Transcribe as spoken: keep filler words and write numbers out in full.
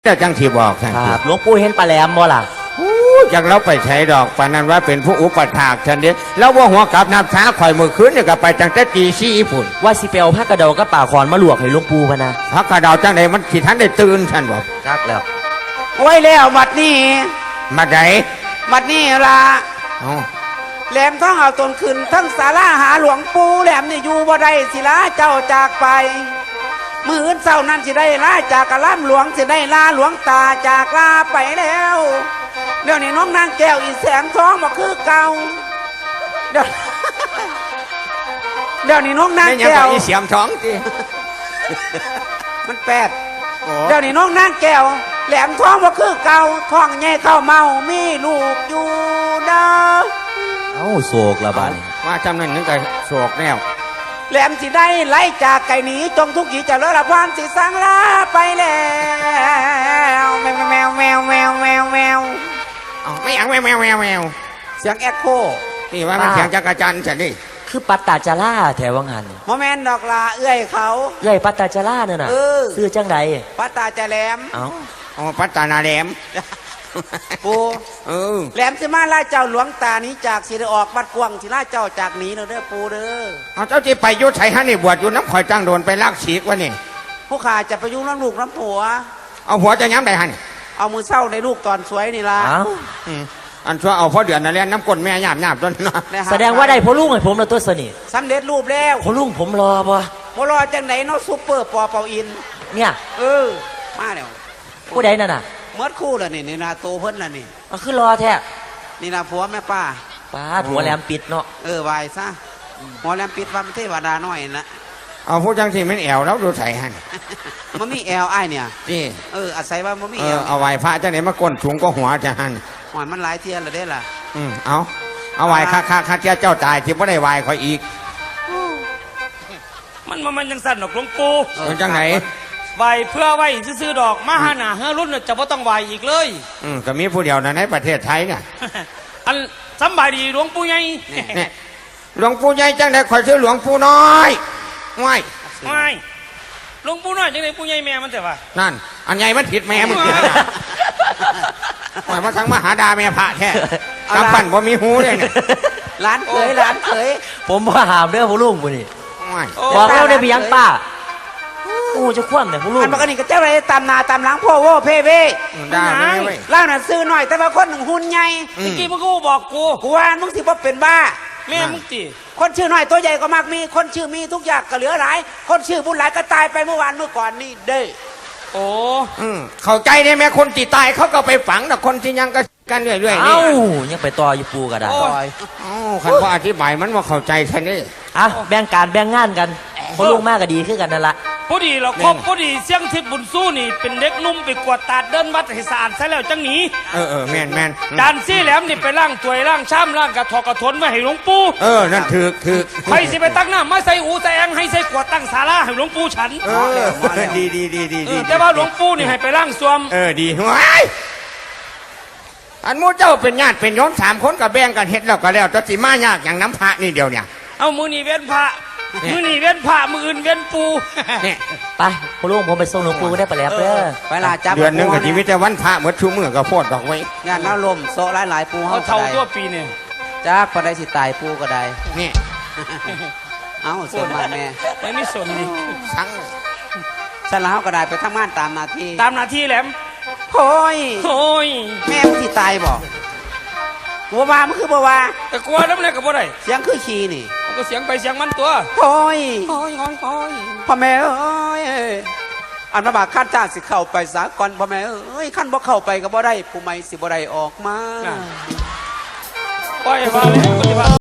เจ้าจังที่บอกท่านครับหลวงปู่เห็นปลาแหลมบ่ล่ะจากเราไปใช้ดอกปานนั้นว่าเป็นผู้อุปถากท่านเด้แล้วว่าหัวกับน้ำช้าข่อยมือคืนเนี่ยก็ไปจังแต่ตีสี่ฝุ่นว่าสิเปียวผ้ากระเดากับป่าขอนมาลวกให้หลวงปู่พะนะพระกระดาวจังไหนมันขีดท่านได้ตื่นท่านบอกจักแล้วไว้แล้วบัดนี้มาไหนบัดนี้ละแหลมทั้งเอาตนขึ้นทั้งศาลาหาหลวงปู่แหลมนี่อยู่บ่ได้สิละเจ้าจากไปมืออื่นเศร้านั้นสิได้ลาจากกะล่ำหลวงสิได้ลาหลวงตาจากลาไปแล้วเดี๋ยวนี้น้องนางแก้วอีแสงทองบ่คือเก่าเดี๋ยวเดี๋ยวนี้น้องนางแก้วอีเสียมท้องจีมันแปดเดี๋ยวนี้น้องนางแก้วแหลมทองบ่คือเก่าท้องใหญ่เข้าเมามีลูกอยู่เด้อเอ้าโศกละบาดนี้ว่าจำนั้นนึกแต่โศกแนวแหลมสิได้ไล่จากไก่หนีจงทุกข์จะเลิศละพานสิสังลาไปแล้วแมวแมวแมวแมวแมวแมวไม่อยากแมวแมวแมวแมวเสียงแอคโคนี่ว่ามันเสียงจักรจันทร์ฉันนี่คือปัตตาจาร่าแถววังหันโมเมนต์ดอกลาเอื้อยเขาเอื้อยปัตตาจาร่าเนี่ยน่ะซื้อจังใดปัตตาจะแหลมเอ้าอ๋อปัตตานาแหลมปูเออแหลมสิมาล่าเจ้าหลวงตานี้จากสิได้ออกบัดกวงสิล่าเจ้าจากหนีเด้อปูเด้อเอาเจ้าจีไปยุทธไทยฮะนี่บวชอยู่น้ำข่อยจ้างโดนไปลากฉีกวะนี่ผู้ขาจะไปยุ่งน้ำลูกน้ำผัวเอาหัวจะย้ำได้ฮะนี่เอามือเศร้าในลูกตอนสวยนี่ล่ะอันชั่วเอาพ่อเดือนนั่นแหละน้ำก้นแม่หยาบหยาบต้นแสดงว่าได้พ่อลุงให้ผมแล้วตัวสนิทสำเร็จรูปแล้วพ่อลุงผมรอป่ะพ่อรอจังไหนเนาะซุปเปอร์ปอเปาอินเนี่ยเออมาแล้วผู้ใดนั่นน่ะเมื่อคู่ละนี่นี่นาโตเพิ่นละนี่มันคือรอแท้นี่นาผัวแม่ป้าป้าหัวแหลมปิดเนาะเออวายซะหัวแหลมปิดว่ามันเทวดาน้อยนะเอาผู้จังที่มันแอวแล้วดูใส่หันมันมีแอลไอ้เนี่ยนี่เอออาศัยว่ามันมีแอลเอาไว้พระจังไหนมาก้นสูงก็หัวจะหันหัวมันหลายเทียนเลยได้ล่ะอืมเอาเอาไว้ค่าค่าค่าเจ้าเจ้าตายที่ไม่ได้ไว้คอยอีกมันมันยังสั่นดอกหลวงปู่จังไหนไหวเพื่อไหวซื้อดอกมาหาหนาเฮรุ่นจะไม่ต้องไหวอีกเลยอืมก็มีผู้เดียวนะในประเทศไทยเนี่ยอันสบายดีหลวงปู่ใหญ่หลวงปู่ใหญ่จังไหนคอยซื้อหลวงปู่น้อยไม่ไม่หลวงปู่น้อยจังไหนปู่ใหญ่แม่มันแต่ว่านั่นอันใหญ่มันผิดแม่มันผิดหมายว่าทั้งมหาดาแม่พระแท้กำปั้นว่ามีหูเลยเนี่ยร้านเคยร้านเคยผมว่าหามเด้อพ่อลุงปุ่นี่บอกแล้วได้ไปยังป้าโอ้จะคว่ำเนี่ยพ่อลุงอันปกติก็เจ้าอะไรตามนาตามหลังพ่อโว้เพ่เพ่ได้ไหมเล่าหน่ะซื้อหน่อยแต่ว่าคนหนึ่งหุ่นใหญ่เมื่อกี้มึงก็บอกกูกูว่ามึงสิบ่เป็นบ้าแม่มึงจีคนชื่อหน่อยตัวใหญ่ก็มากมีคนชื่อมีทุกอย่างก็เหลือหลายคนชื่อบุญหลายก็ตายไปเมื่อวานเมื่อก่อนนี่เด้โอ้เข้าใจได้ไหมคนที่ตายเขาก็ไปฝังแต่คนที่ยังก็กันเรื่อยๆนี่เอ้ายังไปต่ออยู่ปูก็ได้อ๋อคันว่าอธิบายมันว่าเข้าใจแค่นี้อ่ะแบ่งการแบ่งงานกันพ่อลุงมากก็ดีขึ้นกันนั่นละพอดีเราครบพอดีเสียงทิพย์บุญสู้นี่เป็นเด็กนุ่มไปกวาดตาดเดินวัดให้สะอาดใช่แล้วจังหนีเออเออแม่นแม่นจานซี่แหลมนี่ไปล่างถวยล่างช้ำล่างกระถอกกระทนมาให้หลวงปู่เออนั่นถือถือใครสิไปตั้งหน้ามาใส่อูใส่แองให้ใส่กวาดตั้งศาลาให้หลวงปู่ฉันเออดีดีดีดีดีแต่ว่าหลวงปู่นี่ให้ไปล่างสวมเออดีว้ายอันมูเจ้าเป็นญาติเป็นโยมสามคนกับแบ่งกันเฮ็ดแล้วก็แล้วจะสิมายากอย่างน้ำพระนี่เดียวเนี่ยเอามือนี่เว้นพระมือนี่เว้นพระมืออื่นเว้นปูไปพ่อลุงผมไปส่งหลวงปู่ก็ได้ไปแล้วเด้อไปลาจับเดือนนึงกับชีวิตแต่วันพระเมื่อชูมือก็โพดดอกไว้งานน้าลมโซหลายหลายปูเขาเท่าตัวปีนี่จ้าก็ได้สิตายปูก็ได้นี่เอาส่วนมาแม่ไม่มีส่วนดีทั้งฉันแล้วก็ได้ไปทำงานตามหน้าที่ตามหน้าที่แหลมโอ้ยโอ้ยแม่มึงสิตายบอกบัวมามันคือบัวแต่กลัวน้ำแรงกับบัวไรเสียงคือขี้นี่มันก็เสียงไปเสียงมันตัวโอ้ยโอ้ยโอ้ยโอ้ยพ่อแม่เอ้ยอันมาบากขั้นจ้าสิเข้าไปสากลพ่อแม่เอ้ยขั้นบ่เข้าไปกับบ่ได้ผู้ไม่สิบ่ได้ออกมาปล่อยมาเลย